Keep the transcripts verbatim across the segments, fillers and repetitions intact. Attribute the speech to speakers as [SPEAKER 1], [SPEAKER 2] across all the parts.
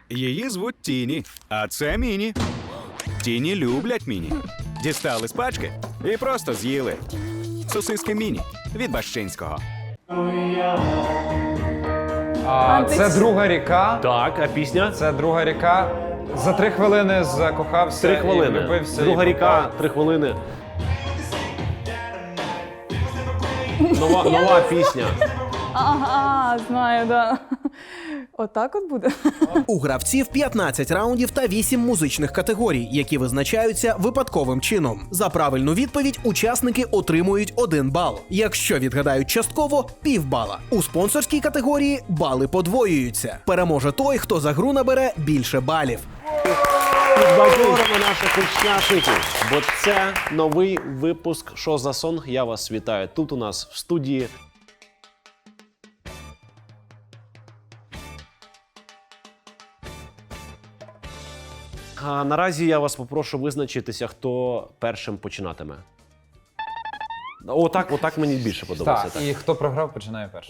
[SPEAKER 1] Її звуть Тіні, а це Міні. Тіні люблять Міні. Дістали з пачки і просто з'їли. Сосиски Міні від Бащинського.
[SPEAKER 2] А, це друга ріка.
[SPEAKER 3] Так, а пісня?
[SPEAKER 2] Це друга ріка. За три хвилини закохався
[SPEAKER 3] Три
[SPEAKER 2] і
[SPEAKER 3] хвилини.
[SPEAKER 2] влюбився.
[SPEAKER 3] Друга
[SPEAKER 2] і
[SPEAKER 3] ріка,
[SPEAKER 2] попав.
[SPEAKER 3] три хвилини. Нова, нова пісня.
[SPEAKER 4] Ага, знаю, да. Отак от буде.
[SPEAKER 5] У гравців п'ятнадцять раундів та вісім музичних категорій, які визначаються випадковим чином. За правильну відповідь учасники отримують один бал. Якщо відгадають частково – півбала. У спонсорській категорії бали подвоюються. Переможе той, хто за гру набере більше балів.
[SPEAKER 3] Підбадьоримо наших учасників, бо це новий випуск «Що за сонг?». Я вас вітаю. Тут у нас в студії А наразі я вас попрошу визначитися, хто першим починатиме. Отак, отак мені більше подобається.
[SPEAKER 2] Так, і хто програв, починає першим.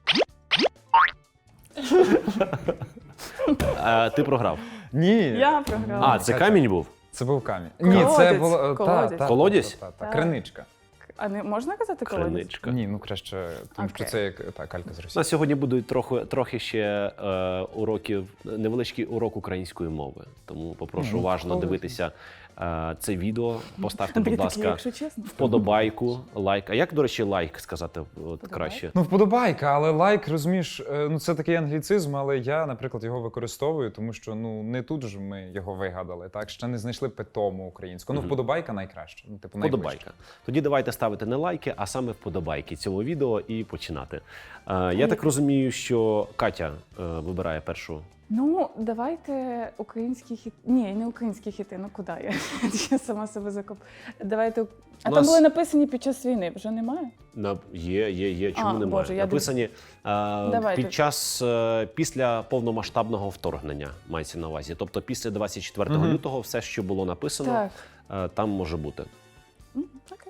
[SPEAKER 3] Е, ти програв.
[SPEAKER 2] Ні.
[SPEAKER 4] Я програла.
[SPEAKER 3] А, це камінь був?
[SPEAKER 2] Це був камінь.
[SPEAKER 4] Колодязь,
[SPEAKER 2] Ні, це було... та,
[SPEAKER 4] колодязь.
[SPEAKER 2] та,
[SPEAKER 3] Колодязь?
[SPEAKER 2] та, та, та,
[SPEAKER 4] Так.
[SPEAKER 2] Криничка.
[SPEAKER 4] А не можна казати колодязь?
[SPEAKER 3] Криничка.
[SPEAKER 2] Ні, ну краще, тому що
[SPEAKER 4] Окей.
[SPEAKER 2] це як та, калька з
[SPEAKER 3] У
[SPEAKER 2] Росії.
[SPEAKER 3] нас сьогодні будуть трохи, трохи ще е, уроків, невеличкий урок української мови. Тому попрошу
[SPEAKER 2] Мгм.
[SPEAKER 3] уважно
[SPEAKER 4] Колодязь.
[SPEAKER 3] дивитися е, це відео. Поставте,
[SPEAKER 4] Андрій
[SPEAKER 3] будь
[SPEAKER 4] такий,
[SPEAKER 3] ласка,
[SPEAKER 4] якщо чесно.
[SPEAKER 3] вподобайку, лайк. А як, до речі, лайк сказати от, краще?
[SPEAKER 2] Ну, вподобайка, але лайк, розумієш, е, ну це такий англіцизм, але я, наприклад, його використовую, тому що ну не тут ж ми його вигадали, так? Ще не знайшли питому українську. Ну,
[SPEAKER 3] Мгм.
[SPEAKER 2] вподобайка найкраще. Ну, типу, найближче.
[SPEAKER 3] Вподобайка. Тоді давайте ставити не лайки, а саме вподобайки цього відео і починати. Е, я так розумію, що Катя е, вибирає першу.
[SPEAKER 4] Ну, давайте українські хіти. Ні, не українські хіти, ну куди я? Я сама себе закоп. Давайте. А
[SPEAKER 3] У
[SPEAKER 4] там
[SPEAKER 3] нас-
[SPEAKER 4] були написані під час війни, вже немає?
[SPEAKER 3] На є, є, є. Чому
[SPEAKER 4] А,
[SPEAKER 3] немає?
[SPEAKER 4] Боже, я
[SPEAKER 3] Написані е,
[SPEAKER 4] Давайте.
[SPEAKER 3] під час е, після повномасштабного вторгнення мається на увазі. Тобто після двадцять четвертого
[SPEAKER 2] Мгм.
[SPEAKER 3] лютого все, що було написано,
[SPEAKER 4] Так.
[SPEAKER 3] е, там може бути.
[SPEAKER 4] М, Окей.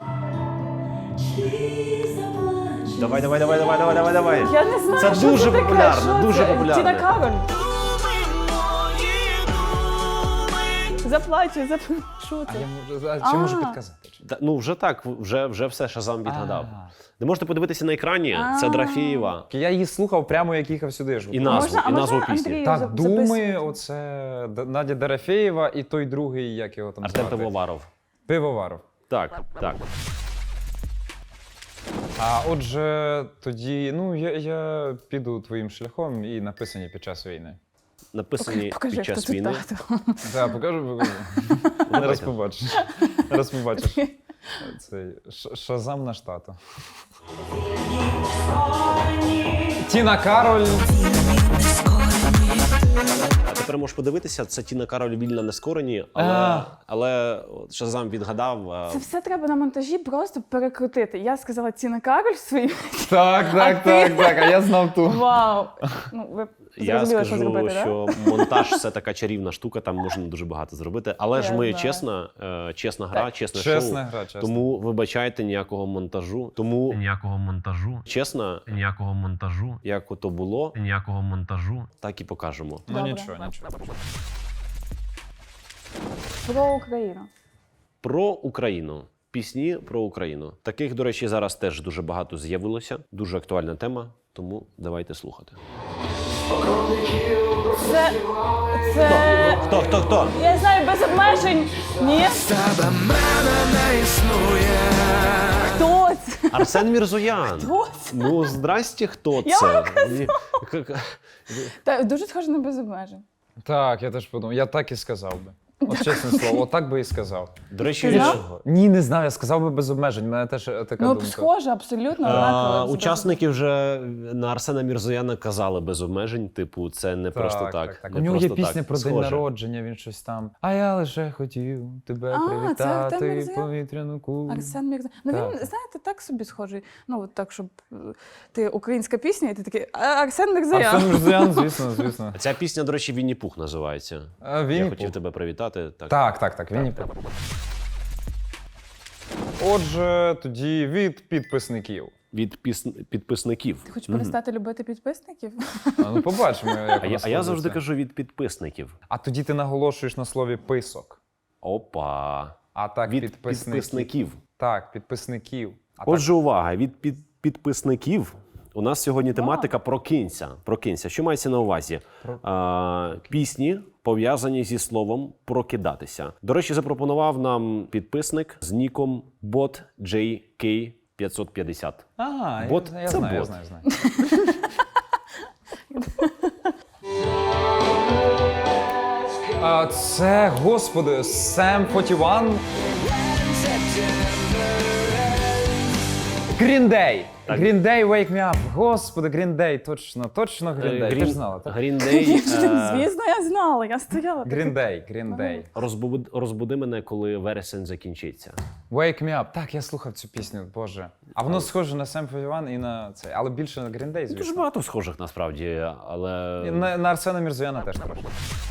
[SPEAKER 3] Давай, давай, давай, давай, давай, давай, давай.
[SPEAKER 4] Я не знаю,
[SPEAKER 3] Це
[SPEAKER 4] що
[SPEAKER 3] дуже
[SPEAKER 4] це таке,
[SPEAKER 3] популярно,
[SPEAKER 4] що
[SPEAKER 3] дуже
[SPEAKER 4] це?
[SPEAKER 3] популярно.
[SPEAKER 4] Тіна Кароль. Заплачу, заплачу. Що
[SPEAKER 2] А
[SPEAKER 4] це?
[SPEAKER 2] я можу, а, чи можу
[SPEAKER 4] А.
[SPEAKER 2] підказати? Чи-
[SPEAKER 3] Та, ну вже так, вже, вже все Шазам відгадав.
[SPEAKER 2] А.
[SPEAKER 3] Ви можете подивитися на екрані. Це
[SPEAKER 4] А.
[SPEAKER 3] Драфієва.
[SPEAKER 2] Я її слухав прямо, як їхав сюди. ж.
[SPEAKER 3] І назву,
[SPEAKER 4] Можна- а
[SPEAKER 3] і назву
[SPEAKER 4] можна
[SPEAKER 3] пісні.
[SPEAKER 4] Андрію
[SPEAKER 2] Так,
[SPEAKER 4] зап-
[SPEAKER 2] Думи,
[SPEAKER 4] записувати?
[SPEAKER 2] оце Д- Надя Дорофєєва і той другий, як його там
[SPEAKER 3] Артем
[SPEAKER 2] звати?
[SPEAKER 3] Пивоваров.
[SPEAKER 2] Пивоваров.
[SPEAKER 3] Так, так.
[SPEAKER 2] А отже, тоді, ну, я, я піду твоїм шляхом і написані під час війни.
[SPEAKER 3] Написані
[SPEAKER 4] Покажи,
[SPEAKER 3] під
[SPEAKER 4] хто
[SPEAKER 3] час
[SPEAKER 4] тут
[SPEAKER 3] війни.
[SPEAKER 4] тато.
[SPEAKER 2] Так, покажу, покажу. Зараз побачиш. Зараз побачиш. Цей Ш- Шазам наш тато. Тіна Кароль.
[SPEAKER 3] А тепер можеш подивитися, це Тіна Кароль «Вільна нескорені», але,
[SPEAKER 2] А.
[SPEAKER 3] але от Шазам відгадав. а,
[SPEAKER 4] Це все треба на монтажі просто перекрутити. Я сказала Тіна Кароль своїм.
[SPEAKER 2] Так, так, так, так, а я знав ту.
[SPEAKER 4] Вау! Ну, ви
[SPEAKER 3] Я
[SPEAKER 4] зрозуміли, що
[SPEAKER 3] скажу,
[SPEAKER 4] зробити, так?
[SPEAKER 3] що монтаж це така чарівна штука, там можна дуже багато зробити. Але ж
[SPEAKER 4] Я
[SPEAKER 3] ми
[SPEAKER 4] знаю.
[SPEAKER 3] чесна, е, чесна гра,
[SPEAKER 4] Так.
[SPEAKER 3] чесне
[SPEAKER 2] Чесна
[SPEAKER 3] шоу.
[SPEAKER 2] гра, чесна.
[SPEAKER 3] Тому вибачайте ніякого монтажу. Тому ніякого монтажу. Чесно, ніякого монтажу. Як ото було, ніякого монтажу. Так і покажемо.
[SPEAKER 2] Ну
[SPEAKER 4] Добре.
[SPEAKER 2] нічого, нічого.
[SPEAKER 4] Про Україну.
[SPEAKER 3] Про Україну. Пісні про Україну. Таких, до речі, зараз теж дуже багато з'явилося. Дуже актуальна тема, тому давайте слухати.
[SPEAKER 4] Це. Це.
[SPEAKER 3] Хто, хто, хто?
[SPEAKER 4] Я знаю, без обмежень. Ні? Хто це?
[SPEAKER 3] Арсен Мірзоян.
[SPEAKER 4] Хто це?
[SPEAKER 3] Ну, здрасте, хто
[SPEAKER 4] Я
[SPEAKER 3] це?
[SPEAKER 4] вам
[SPEAKER 3] Ні, к- к-
[SPEAKER 4] Та, дуже схоже на без обмежень.
[SPEAKER 2] Так, я теж подумав, я так і сказав би. От чесне слово, отак би і сказав.
[SPEAKER 3] До речі,
[SPEAKER 4] Ти
[SPEAKER 3] від-
[SPEAKER 4] знав?
[SPEAKER 2] Ні, не знаю, я сказав би без обмежень, в мене теж е, така
[SPEAKER 4] Ну,
[SPEAKER 2] думка.
[SPEAKER 4] схоже, абсолютно.
[SPEAKER 3] А,
[SPEAKER 4] однаково, без
[SPEAKER 3] учасники вже на Арсена Мірзояна казали без обмежень, типу, це не просто так.
[SPEAKER 2] так.
[SPEAKER 3] Не
[SPEAKER 2] У нього є
[SPEAKER 3] просто
[SPEAKER 2] пісня
[SPEAKER 3] так.
[SPEAKER 2] про день
[SPEAKER 3] Схоже.
[SPEAKER 2] народження, він щось там. А я лише хотів тебе
[SPEAKER 4] А, це Артем
[SPEAKER 2] привітати,
[SPEAKER 4] Мірзоян?
[SPEAKER 2] повітряну кулю.
[SPEAKER 4] Арсен Мірза. Ну він,
[SPEAKER 2] Так.
[SPEAKER 4] знаєте, так собі схожий. Ну, от так, щоб е, ти українська пісня, і ти такий «А, Арсен Мірзоян.
[SPEAKER 2] Арсен Мірзоян, звісно, звісно.
[SPEAKER 3] Ця пісня, до речі, Вінні Пух називається.
[SPEAKER 2] А,
[SPEAKER 3] Я
[SPEAKER 2] Вінні
[SPEAKER 3] хотів
[SPEAKER 2] Пух.
[SPEAKER 3] тебе привітати. Так.
[SPEAKER 2] Так, так, так, Вінні Пух. Отже, тоді від підписників.
[SPEAKER 3] від піс- підписників.
[SPEAKER 4] Ти хочеш перестати любити підписників?
[SPEAKER 2] А, ну побачимо, як
[SPEAKER 3] А я,
[SPEAKER 2] воно
[SPEAKER 3] а я завжди
[SPEAKER 2] складеться.
[SPEAKER 3] кажу від підписників.
[SPEAKER 2] А тоді ти наголошуєш на слові писок.
[SPEAKER 3] Опа.
[SPEAKER 2] А так
[SPEAKER 3] Від
[SPEAKER 2] підписників.
[SPEAKER 3] підписників.
[SPEAKER 2] Так, підписників. А
[SPEAKER 3] Отже, увага, від під, підписників у нас сьогодні тематика «Прокинься». Прокинься. Що мається на увазі?
[SPEAKER 2] Про-
[SPEAKER 3] А, пісні, пов'язані зі словом «прокидатися». До речі, запропонував нам підписник з ніком бот джей кей п'ятсот п'ятдесят.
[SPEAKER 2] так. Ага,
[SPEAKER 3] Бот
[SPEAKER 2] я, я
[SPEAKER 3] це
[SPEAKER 2] знаю, я
[SPEAKER 3] бот.
[SPEAKER 2] знаю, знаю. А, це, господи, Сем сорок один. Green Day.
[SPEAKER 3] Так.
[SPEAKER 2] Green Day, Wake Me Up. Господи, Green Day, точно, точно Green Day. Ти ж знала, так?
[SPEAKER 3] Green Day, е,
[SPEAKER 4] Звісно, я знала, я стояла.
[SPEAKER 2] Green Day, Green Day.
[SPEAKER 3] розбуди, розбуди мене, коли вересень закінчиться.
[SPEAKER 2] Wake Me Up. Так, я слухав цю пісню, боже. А воно схоже на Сем сорок один і на цей, але більше на Green Day,
[SPEAKER 3] Дуже
[SPEAKER 2] звісно.
[SPEAKER 3] багато схожих насправді, але
[SPEAKER 2] І на, на Арсена Мірзояна теж трошки.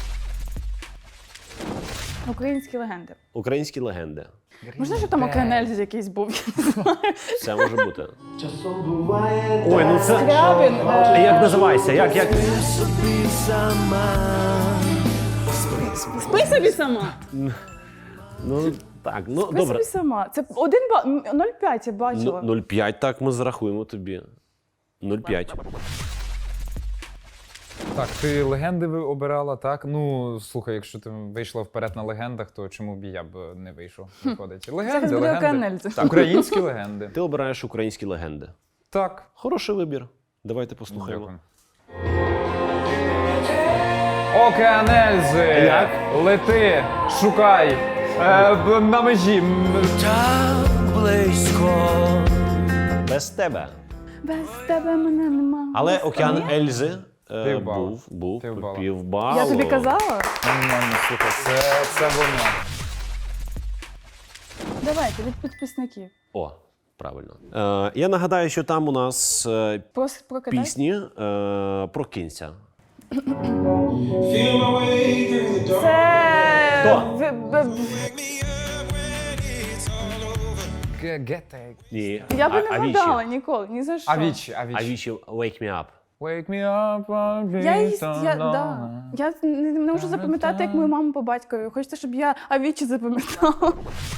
[SPEAKER 4] Українські легенди.
[SPEAKER 3] українські легенди.
[SPEAKER 4] Можна, що там Океанельзі якийсь був? Я не знаю.
[SPEAKER 3] Це може бути. Ой, ну це...
[SPEAKER 4] Скрябін.
[SPEAKER 3] А
[SPEAKER 4] е,
[SPEAKER 3] як називається? Як, як?
[SPEAKER 4] Спи собі сама.
[SPEAKER 3] Ну, так, ну,
[SPEAKER 4] Спи
[SPEAKER 3] добре.
[SPEAKER 4] собі сама. Це один бал, нуль цілих п'ять я бачила.
[SPEAKER 3] Ну, нуль цілих п'ять, так, ми зарахуємо тобі. нуль цілих п'ять.
[SPEAKER 2] Так, ти легенди ви обирала, так? Ну, слухай, якщо ти вийшла вперед на легендах, то чому б і я б не вийшов? Виходить. Легенди,
[SPEAKER 4] Зараз буде
[SPEAKER 2] легенди.
[SPEAKER 4] Океанельзі.
[SPEAKER 2] Так, українські легенди.
[SPEAKER 3] Ти обираєш українські легенди.
[SPEAKER 2] Так.
[SPEAKER 3] Хороший вибір. Давайте послухаємо.
[SPEAKER 2] Дякую. Океанельзи!
[SPEAKER 3] Як?
[SPEAKER 2] Лети, шукай, е, б- на межі. М,
[SPEAKER 3] Без тебе.
[SPEAKER 4] Без тебе мене нема.
[SPEAKER 3] Але
[SPEAKER 4] Без
[SPEAKER 3] океан
[SPEAKER 4] тебе.
[SPEAKER 3] Ельзи е,
[SPEAKER 2] Півбалу.
[SPEAKER 3] був, був
[SPEAKER 2] Півбалу.
[SPEAKER 3] півбалу.
[SPEAKER 4] Я тобі казала?
[SPEAKER 2] Нормально, слухай, це, це воно.
[SPEAKER 4] Давайте, від підписників.
[SPEAKER 3] О, правильно. Е, я нагадаю, що там у нас е,
[SPEAKER 4] Прос- Прокидай.
[SPEAKER 3] пісні е, «Прокинься».
[SPEAKER 4] Це...
[SPEAKER 3] Хто?
[SPEAKER 4] в- в- в-
[SPEAKER 2] Ге- Гете.
[SPEAKER 3] Ні.
[SPEAKER 4] Я би
[SPEAKER 3] А-
[SPEAKER 4] не
[SPEAKER 3] Авічі.
[SPEAKER 4] вгадала ніколи, ні за що.
[SPEAKER 2] Авічі, авічі.
[SPEAKER 3] Авічі «Wake me up».
[SPEAKER 2] Wake me up, I'll
[SPEAKER 4] Я,
[SPEAKER 2] be
[SPEAKER 4] їсть, я,
[SPEAKER 2] so
[SPEAKER 4] да.
[SPEAKER 2] lonely.
[SPEAKER 4] я не, не можу запам'ятати, як мою маму по батькові. Хочеться, щоб я Авічі запам'ятала.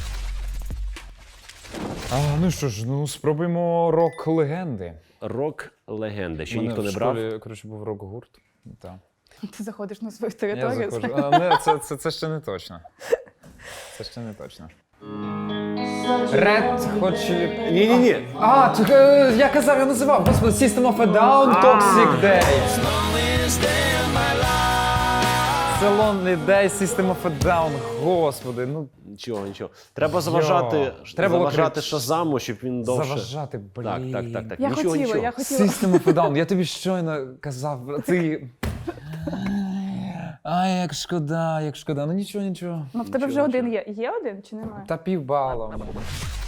[SPEAKER 2] А, ну що ж, ну спробуємо рок-легенди.
[SPEAKER 3] Рок-легенди. Ще
[SPEAKER 2] У мене
[SPEAKER 3] ніхто
[SPEAKER 2] в
[SPEAKER 3] не брав.
[SPEAKER 2] школі, коротше, був рок-гурт. Так.
[SPEAKER 4] Ти заходиш на свою
[SPEAKER 2] Я
[SPEAKER 4] територію.
[SPEAKER 2] заходжу. А, не, це, це, це ще не точно. Це ще не точно. Red Hot Chili...
[SPEAKER 3] Ні-ні-ні.
[SPEAKER 2] А, так, е, я казав, я називав. Господи, System of a Down, Toxic Day. Це Lonely Day, System of a Down. Господи, ну
[SPEAKER 3] Нічого, нічого. Треба заважати,
[SPEAKER 2] Йо, треба було
[SPEAKER 3] заважати
[SPEAKER 2] крич-
[SPEAKER 3] Шазаму, щоб він довше...
[SPEAKER 2] заважати, блін.
[SPEAKER 3] Так, так, так, так.
[SPEAKER 4] Я
[SPEAKER 3] нічого,
[SPEAKER 4] хотіла,
[SPEAKER 3] нічого.
[SPEAKER 4] я хотіла.
[SPEAKER 2] System of a Down, я тобі щойно казав, ти... Ай, як шкода, як шкода. Ну нічого, нічого.
[SPEAKER 4] Ну, в тебе вже один є. Є один чи немає?
[SPEAKER 2] Та півбала в мене.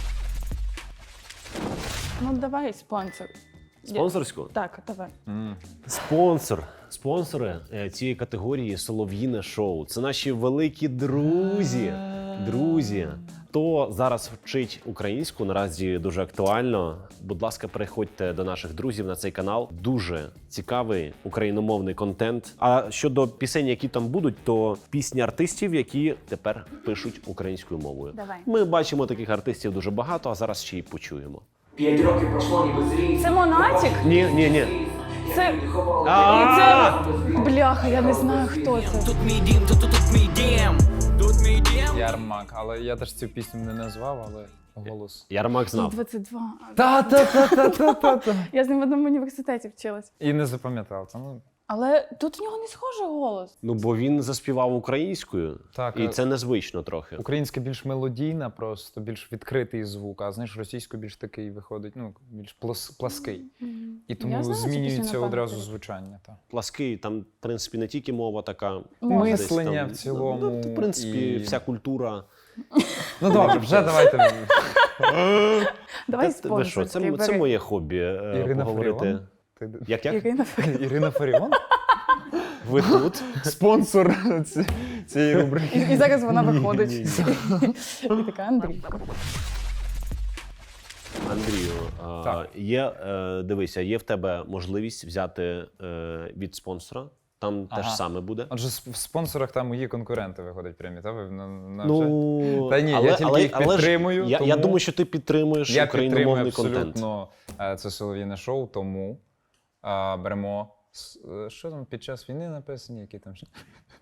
[SPEAKER 4] Ну, давай спонсор.
[SPEAKER 3] Спонсорську?
[SPEAKER 4] Так, давай.
[SPEAKER 3] Спонсор. Спонсори е, цієї категорії «Солов'їне шоу». Це наші великі друзі. Друзі. Хто зараз вчить українську, наразі дуже актуально. Будь ласка, переходьте до наших друзів на цей канал. Дуже цікавий україномовний контент. А щодо пісень, які там будуть, то пісні артистів, які тепер пишуть українською мовою.
[SPEAKER 4] Давай.
[SPEAKER 3] Ми бачимо таких артистів дуже багато, а зараз ще й почуємо.
[SPEAKER 6] П'ять років пройшло, ніби зріс.
[SPEAKER 4] Це Монатік?
[SPEAKER 3] Ні, ні, ні.
[SPEAKER 4] Це...
[SPEAKER 3] А!
[SPEAKER 4] І це... Бляха, я не знаю, хто це.
[SPEAKER 6] Тут мій дім, тут, тут, тут мій дім. Тут мій дім.
[SPEAKER 2] Ярмак, але я теж цю пісню не назвав, але голос.
[SPEAKER 3] Ярмак знав.
[SPEAKER 4] двадцять два.
[SPEAKER 2] Та-та-та-та-та-та.
[SPEAKER 4] Я з ним в одному університеті вчилась.
[SPEAKER 2] І не запам'ятав. Та, ну,
[SPEAKER 4] Але тут в нього не схожий голос.
[SPEAKER 3] Ну, бо він заспівав українською,
[SPEAKER 2] Так,
[SPEAKER 3] і
[SPEAKER 2] а-
[SPEAKER 3] це незвично трохи.
[SPEAKER 2] українська більш мелодійна, просто більш відкритий звук, а знаєш, російською більш такий виходить, ну, більш плос- плаский. І тому
[SPEAKER 4] Я знаю цю пісню
[SPEAKER 2] змінюється
[SPEAKER 4] на
[SPEAKER 2] одразу
[SPEAKER 4] пам'ять.
[SPEAKER 2] звучання. Та.
[SPEAKER 3] Плаский, там, в принципі, не тільки мова така.
[SPEAKER 4] Мова.
[SPEAKER 3] десь
[SPEAKER 2] Мислення
[SPEAKER 3] там,
[SPEAKER 2] в цілому.
[SPEAKER 3] Ну, в принципі,
[SPEAKER 2] і-
[SPEAKER 3] вся культура.
[SPEAKER 2] Ну добре, вже давайте.
[SPEAKER 4] Давай
[SPEAKER 3] Та ви що, це,
[SPEAKER 4] спонсорський
[SPEAKER 3] це
[SPEAKER 4] бери.
[SPEAKER 3] моє хобі. е,
[SPEAKER 2] Ірина
[SPEAKER 3] поговорити.
[SPEAKER 2] Фаріон? Ти-
[SPEAKER 3] Як як?
[SPEAKER 4] Ірина.
[SPEAKER 2] Ірина Фаріон?
[SPEAKER 3] Ви тут?
[SPEAKER 2] Спонсор ці- цієї рубрики.
[SPEAKER 4] І, і зараз вона виходить. І така Андрій.
[SPEAKER 3] Андрію, а,
[SPEAKER 2] Так.
[SPEAKER 3] є, е, дивися, є в тебе можливість взяти е, від спонсора. Там
[SPEAKER 2] Ага.
[SPEAKER 3] те ж саме буде.
[SPEAKER 2] Отже, с- в спонсорах там мої конкуренти виходять прямі, та ви на, на вже?
[SPEAKER 3] Ну,
[SPEAKER 2] Та ні, я тільки їх
[SPEAKER 3] але ж
[SPEAKER 2] підтримую,
[SPEAKER 3] Я, я
[SPEAKER 2] тому
[SPEAKER 3] думаю, що ти підтримуєш
[SPEAKER 2] Я підтримую
[SPEAKER 3] україномовний контент.
[SPEAKER 2] абсолютно е, це солов'їне шоу, тому е, беремо. с- е, Що там під час війни написані, які там ще?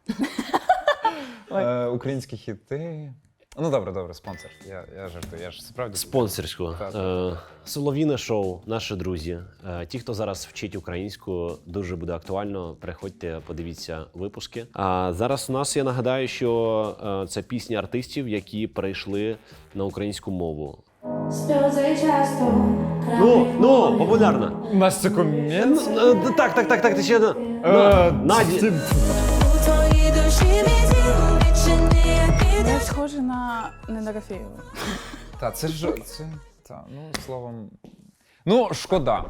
[SPEAKER 2] Е, Українські хіти. Ну добре, добре, спонсор. Я, я жартую, я ж справді.
[SPEAKER 3] Спонсорську.
[SPEAKER 2] Так,
[SPEAKER 3] Е, Солов'їне шоу, наші друзі. Е, ті, хто зараз вчить українську, дуже буде актуально. Приходьте, подивіться випуски. А зараз у нас, я нагадаю, що е, це пісні артистів, які перейшли на українську мову.
[SPEAKER 7] Сльози часто
[SPEAKER 3] Ну, ну, популярна.
[SPEAKER 2] У нас це комент.
[SPEAKER 3] Е, Так, так, так, так, ти ще...
[SPEAKER 2] Е,
[SPEAKER 3] Наді.
[SPEAKER 7] у твоїй душі відділ відчини
[SPEAKER 4] Я схожа на не на Рафєєву.
[SPEAKER 2] Та це ж це. Та, ну словом. Ну, шкода.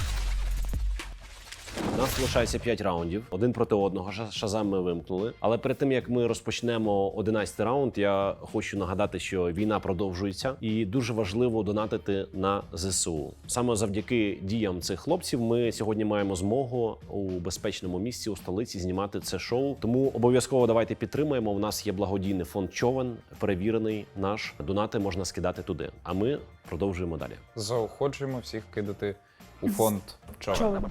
[SPEAKER 3] У нас залишається п'ять раундів, один проти одного. Ша- Шазам ми вимкнули. Але перед тим як ми розпочнемо одинадцятий раунд, я хочу нагадати, що війна продовжується, і дуже важливо донатити на ЗСУ. Саме завдяки діям цих хлопців ми сьогодні маємо змогу у безпечному місці у столиці знімати це шоу. Тому обов'язково давайте підтримаємо. У нас є благодійний фонд Човен, перевірений наш. Донати можна скидати туди. А ми продовжуємо далі.
[SPEAKER 2] Заохочуємо всіх кидати у фонд човен.
[SPEAKER 4] Човен.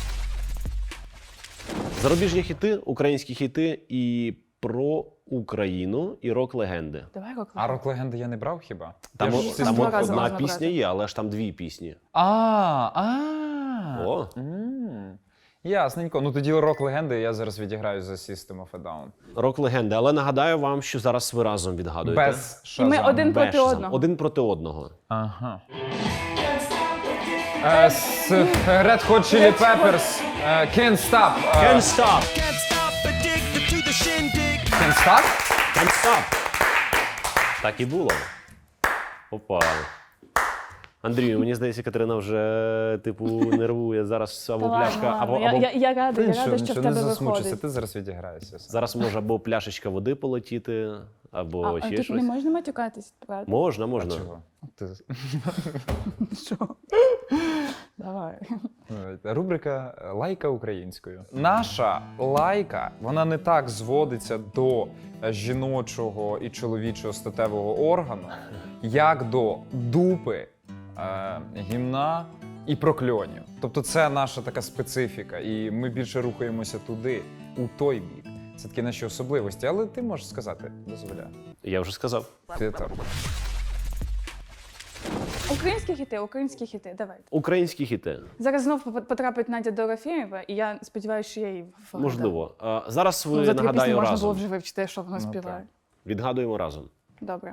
[SPEAKER 3] Зарубіжні хіти, українські хіти і про Україну, і рок-легенди.
[SPEAKER 4] Давай рок.
[SPEAKER 2] А рок-легенди я не брав хіба?
[SPEAKER 3] Там,
[SPEAKER 2] Я
[SPEAKER 3] о-
[SPEAKER 2] ж
[SPEAKER 4] їх там
[SPEAKER 3] там
[SPEAKER 4] два
[SPEAKER 3] от
[SPEAKER 4] рази
[SPEAKER 3] одна
[SPEAKER 4] можна
[SPEAKER 3] пісня
[SPEAKER 4] брати.
[SPEAKER 3] є, але ж там дві пісні.
[SPEAKER 2] А, а.
[SPEAKER 3] О.
[SPEAKER 2] М. Ясненько. Ну тоді рок-легенди я зараз відіграю за System of a Down.
[SPEAKER 3] Рок-легенди. Але нагадаю вам, що зараз ви разом відгадуєте.
[SPEAKER 2] Без
[SPEAKER 4] І ми
[SPEAKER 2] Шазам.
[SPEAKER 4] один
[SPEAKER 3] Без
[SPEAKER 4] проти
[SPEAKER 3] Шазам.
[SPEAKER 4] одного.
[SPEAKER 3] Один проти одного.
[SPEAKER 2] Ага. Е, з Red Hot Chili Peppers. е, Can't Stop. е,
[SPEAKER 3] Can't stop!
[SPEAKER 2] Can't Stop?
[SPEAKER 3] Can't stop! Так і було. Опа. Андрію, мені здається, Катерина вже, типу, нервує. Зараз або
[SPEAKER 4] Та ладно,
[SPEAKER 3] пляшка,
[SPEAKER 4] ладно.
[SPEAKER 3] або,
[SPEAKER 4] Я,
[SPEAKER 3] або...
[SPEAKER 4] я, я рада, я
[SPEAKER 2] Нічого,
[SPEAKER 4] рада, що в
[SPEAKER 2] нічого, не
[SPEAKER 4] тебе
[SPEAKER 2] засмучуйся,
[SPEAKER 4] виходить.
[SPEAKER 2] ти зараз відіграєшся.
[SPEAKER 3] Зараз може або пляшечка води полетіти, або
[SPEAKER 4] А, а
[SPEAKER 3] ще
[SPEAKER 4] тут
[SPEAKER 3] щось.
[SPEAKER 4] не можна матюкатись, правда?
[SPEAKER 3] Можна, можна.
[SPEAKER 2] Чого? Ти...
[SPEAKER 4] Що? Давай.
[SPEAKER 2] Рубрика «Лайка українською». Наша лайка, вона не так зводиться до жіночого і чоловічого статевого органу, як до дупи, е, гімна і прокльонів. Тобто це наша така специфіка, і ми більше рухаємося туди, у той бік. Це такі наші особливості, але ти можеш сказати, дозволяю.
[SPEAKER 3] Я вже сказав.
[SPEAKER 2] Ти так.
[SPEAKER 4] Українські хіти, українські хіти, давай.
[SPEAKER 3] Українські хіти.
[SPEAKER 4] Зараз знов поп- потрапить Надя Дорофєєва, і я сподіваюся, що я її вгадаю.
[SPEAKER 3] Можливо. А, зараз ви,
[SPEAKER 4] Ну, за дві пісні
[SPEAKER 3] нагадаю,
[SPEAKER 4] можна
[SPEAKER 3] разом.
[SPEAKER 4] було вже вивчити, що вона
[SPEAKER 2] Ну,
[SPEAKER 4] співає.
[SPEAKER 2] так.
[SPEAKER 3] Відгадуємо разом.
[SPEAKER 4] Добре.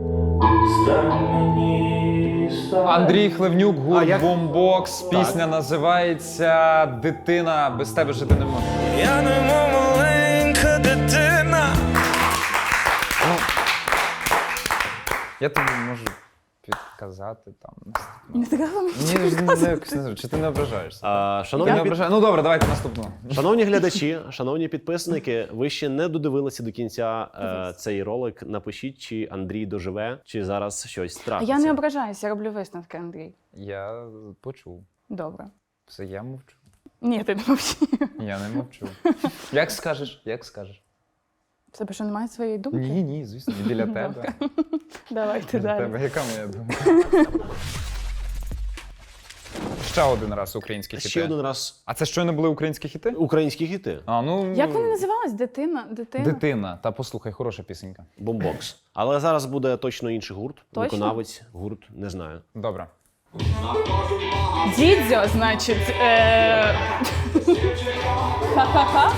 [SPEAKER 2] Андрій Хлевнюк,
[SPEAKER 3] А
[SPEAKER 2] гурт
[SPEAKER 3] як?
[SPEAKER 2] Бомбокс. Пісня називається «Дитина без тебе жити не можу».
[SPEAKER 6] Я немов маленька дитина.
[SPEAKER 2] Я тобі можу підказати там.
[SPEAKER 4] Не треба мені
[SPEAKER 2] Ні, не, не, якось не знаю, чи ти не ображаєшся?
[SPEAKER 3] А,
[SPEAKER 2] Ти
[SPEAKER 3] шановні,
[SPEAKER 2] не
[SPEAKER 3] під...
[SPEAKER 2] ображаєш? Ну добре, давайте наступну.
[SPEAKER 3] шановні глядачі, шановні підписники, ви ще не додивилися до кінця е, цей ролик. Напишіть, чи Андрій доживе, чи зараз щось
[SPEAKER 4] А
[SPEAKER 3] трапиться.
[SPEAKER 4] я не ображаюся, я роблю висновки, Андрій.
[SPEAKER 2] Я почув.
[SPEAKER 4] Добре.
[SPEAKER 2] Все, я мовчу.
[SPEAKER 4] Ні, ти не мовчи.
[SPEAKER 2] Я не мовчу. Як скажеш? Як скажеш?
[SPEAKER 4] В тебе що, немає своєї думки?
[SPEAKER 2] Ні, ні, звісно, і біля тебе.
[SPEAKER 4] Давайте
[SPEAKER 2] Біля
[SPEAKER 4] далі.
[SPEAKER 2] тебе. Яка моя думка? Ще один раз українські хіти.
[SPEAKER 3] Ще один раз
[SPEAKER 2] А це щойно були українські хіти?
[SPEAKER 3] українські хіти.
[SPEAKER 2] А, ну,
[SPEAKER 4] Як вони називались? Дитина? Дитина?
[SPEAKER 2] Дитина. Та послухай, хороша пісенька.
[SPEAKER 3] Бомбокс. Але зараз буде точно інший гурт.
[SPEAKER 4] Точно?
[SPEAKER 3] Виконавець, гурт, не знаю.
[SPEAKER 2] Добре.
[SPEAKER 4] Дідзьо, значить. Е... Ха-ха-ха.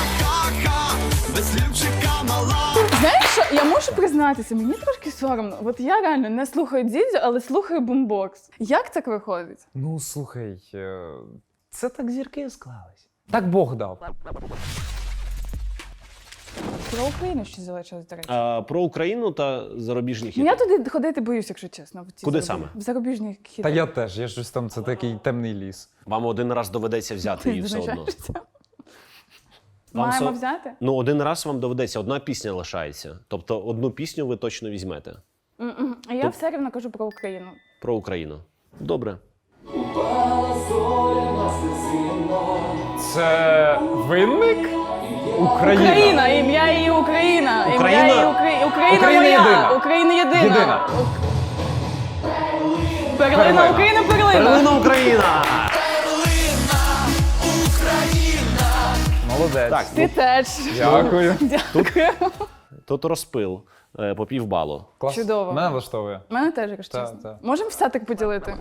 [SPEAKER 4] Знаєш що, я можу признатися, мені трошки соромно. От я реально не слухаю Дідзьо, але слухаю бумбокс. Як так виходить?
[SPEAKER 2] Ну, слухай, е, це так зірки склались. Так Бог дав.
[SPEAKER 4] Про Україну ще залишилось, до речі.
[SPEAKER 3] А, про Україну та зарубіжні
[SPEAKER 4] Ну,
[SPEAKER 3] хіти.
[SPEAKER 4] я туди ходити боюсь, якщо чесно. в ці
[SPEAKER 3] Куди
[SPEAKER 4] зарубіжні-
[SPEAKER 3] саме?
[SPEAKER 4] В зарубіжні хіти.
[SPEAKER 2] Та я теж, я щось там, це такий темний ліс.
[SPEAKER 3] Вам один раз доведеться взяти її все одно.
[SPEAKER 4] Визначаєшся?
[SPEAKER 3] Вам
[SPEAKER 4] Маємо
[SPEAKER 3] со-
[SPEAKER 4] взяти?
[SPEAKER 3] Ну, один раз вам доведеться, одна пісня лишається. Тобто одну пісню ви точно візьмете
[SPEAKER 4] М-м. А я все рівно кажу про Україну.
[SPEAKER 3] про Україну. Добре.
[SPEAKER 2] Це винник? Україна.
[SPEAKER 4] Україна, ім'я її Україна. Ім'я
[SPEAKER 3] Україна?
[SPEAKER 4] її Укра... Україна,
[SPEAKER 2] Україна
[SPEAKER 4] моя.
[SPEAKER 2] єдина.
[SPEAKER 4] Україна єдина.
[SPEAKER 2] Єдина.
[SPEAKER 4] Перлина,
[SPEAKER 2] Перлина.
[SPEAKER 4] Україна, перлина.
[SPEAKER 3] Перлина Україна!
[SPEAKER 2] Молодець.
[SPEAKER 3] Так,
[SPEAKER 4] Ти теж.
[SPEAKER 2] Дякую.
[SPEAKER 4] Дякую.
[SPEAKER 3] тут розпил е, по півбалу.
[SPEAKER 2] Клас.
[SPEAKER 4] Чудово.
[SPEAKER 2] Мене влаштовує.
[SPEAKER 4] Мене теж, якщо
[SPEAKER 2] Та,
[SPEAKER 4] чесно.
[SPEAKER 2] та.
[SPEAKER 4] Можемо все так поділити?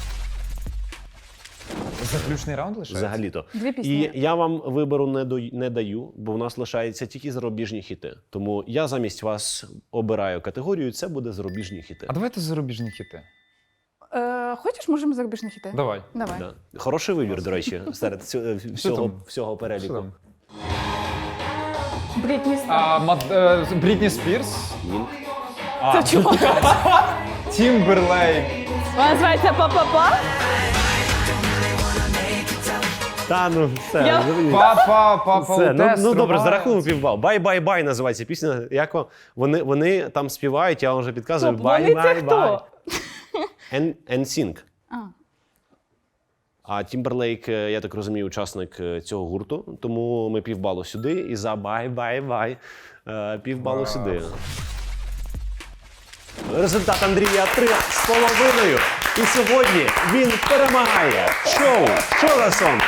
[SPEAKER 2] Заключний раунд лишається?
[SPEAKER 3] Взагалі-то.
[SPEAKER 4] Дві пісні.
[SPEAKER 3] І я вам вибору не, до, не даю, бо в нас лишається тільки зарубіжні хіти. Тому я замість вас обираю категорію, це буде зарубіжні хіти.
[SPEAKER 2] А давайте зарубіжні хіти.
[SPEAKER 4] Е, хочеш, можемо зарубіжні хіти?
[SPEAKER 2] Давай.
[SPEAKER 4] Давай.
[SPEAKER 3] Да. Хороший вибір, до речі, серед цю- всього,
[SPEAKER 2] там?
[SPEAKER 3] всього
[SPEAKER 2] Що
[SPEAKER 3] переліку.
[SPEAKER 2] там?
[SPEAKER 4] Брітні Спірс.
[SPEAKER 2] А, Мад... е, Брітні Спірс,
[SPEAKER 3] Ні.
[SPEAKER 4] Це чого?
[SPEAKER 2] Тімберлейк.
[SPEAKER 4] Вона називається «Па-па-па».
[SPEAKER 3] Та ну все.
[SPEAKER 4] Я-
[SPEAKER 3] ну,
[SPEAKER 2] Папа, папа,
[SPEAKER 3] Все, ну,
[SPEAKER 2] Утес
[SPEAKER 3] ну добре,
[SPEAKER 2] рубає.
[SPEAKER 3] зарахуємо півбал. Бай-бай-бай називається пісня. Як о- вони, вони там співають, я вам вже підказую.
[SPEAKER 4] Стоп, вони це
[SPEAKER 3] Бай-бай-бай.
[SPEAKER 4] хто?
[SPEAKER 3] Ен- Ен-Сінг.
[SPEAKER 4] А.
[SPEAKER 3] А Тімберлейк, е, я так розумію, учасник е, цього гурту. Тому ми півбалу сюди і за бай-бай-бай е, півбалу сюди. Результат Андрія три з половиною. І сьогодні він перемагає. Шоу! Що за сон?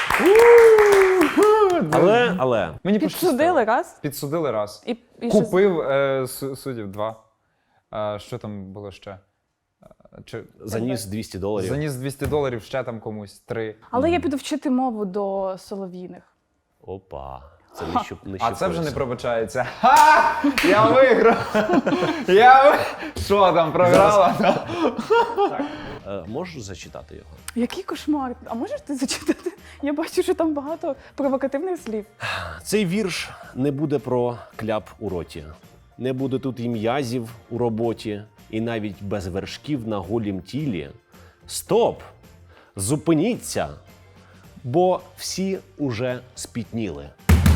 [SPEAKER 3] Але, але,
[SPEAKER 2] Мені
[SPEAKER 4] Підсудили раз.
[SPEAKER 2] Підсудили раз.
[SPEAKER 4] І, і що з-
[SPEAKER 2] Купив е, су- суддів два. А, що там було ще? А, Чи...
[SPEAKER 3] заніс двісті доларів.
[SPEAKER 2] Заніс двісті доларів ще там комусь. Три.
[SPEAKER 4] Але я піду вчити мову до солов'їних.
[SPEAKER 3] Опа. Це не що, не
[SPEAKER 2] А це вже не
[SPEAKER 3] щепилося.
[SPEAKER 2] пробачається. Ха! Я виграв! Я ви... Що там, програла?
[SPEAKER 3] Е, можеш зачитати його?
[SPEAKER 4] Який кошмар. А можеш ти зачитати? Я бачу, що там багато провокативних слів.
[SPEAKER 3] Цей вірш не буде про кляп у роті. Не буде тут і м'язів у роботі, і навіть без вершків на голім тілі. Стоп! Зупиніться! Бо всі уже спітніли.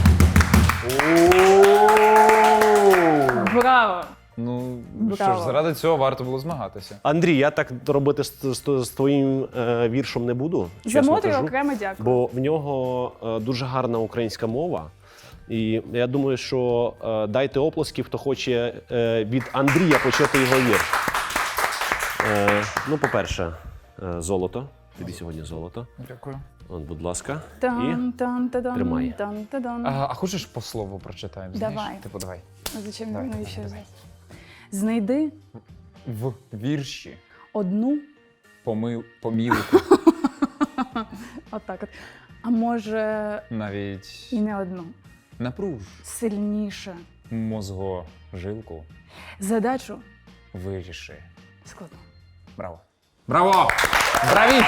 [SPEAKER 4] Браво!
[SPEAKER 2] Ну, що
[SPEAKER 4] Браво.
[SPEAKER 2] ж, заради цього варто було змагатися.
[SPEAKER 3] Андрій, я так робити з, з, з твоїм е, віршом не буду.
[SPEAKER 4] За
[SPEAKER 3] чесно
[SPEAKER 4] Мотрю
[SPEAKER 3] кажу.
[SPEAKER 4] окремо дякую.
[SPEAKER 3] Бо в нього е, дуже гарна українська мова. І я думаю, що е, дайте оплески, хто хоче е, від Андрія почути його вірш. Е, ну, по-перше, е, золото. Тобі сьогодні золото.
[SPEAKER 2] Дякую.
[SPEAKER 3] От, будь ласка. І
[SPEAKER 4] Тан, тан, тадан,
[SPEAKER 3] тримай.
[SPEAKER 4] тан, тадан.
[SPEAKER 2] А, а хочеш по слову прочитаємо? Знаєш?
[SPEAKER 4] Давай.
[SPEAKER 2] Типу, давай.
[SPEAKER 4] А зачем
[SPEAKER 2] Давай,
[SPEAKER 4] навіщо
[SPEAKER 2] давай,
[SPEAKER 4] взяти? Знайди
[SPEAKER 2] В вірші
[SPEAKER 4] одну,
[SPEAKER 2] помил... помілку,
[SPEAKER 4] отак от. А може
[SPEAKER 2] навіть
[SPEAKER 4] і не одну.
[SPEAKER 2] напруж
[SPEAKER 4] Сильніше.
[SPEAKER 2] мозгожилку,
[SPEAKER 4] Задачу
[SPEAKER 2] виріши.
[SPEAKER 4] складну.
[SPEAKER 2] Браво. Браво! Браві!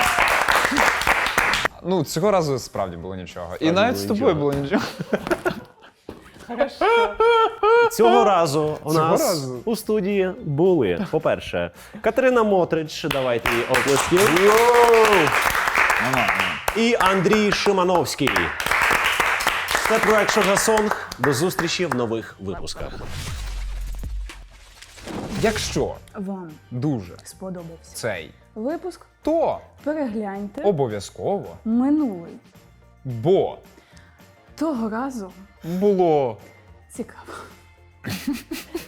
[SPEAKER 2] Ну, цього разу справді було нічого. І навіть з
[SPEAKER 3] було
[SPEAKER 2] тобою
[SPEAKER 3] нічого.
[SPEAKER 2] було нічого.
[SPEAKER 3] цього разу у
[SPEAKER 2] Цього
[SPEAKER 3] нас
[SPEAKER 2] разу?
[SPEAKER 3] у студії були, по-перше, Катерина Мотрич, давайте їй оплески, і Андрій Шимановський. Це проект «Що за сонг». До зустрічі в нових випусках.
[SPEAKER 2] Якщо
[SPEAKER 4] Вам
[SPEAKER 2] дуже
[SPEAKER 4] сподобався
[SPEAKER 2] цей,
[SPEAKER 4] випуск?
[SPEAKER 2] то
[SPEAKER 4] Перегляньте
[SPEAKER 2] обов'язково,
[SPEAKER 4] минулий.
[SPEAKER 2] бо
[SPEAKER 4] Того разу
[SPEAKER 2] було
[SPEAKER 4] цікаво.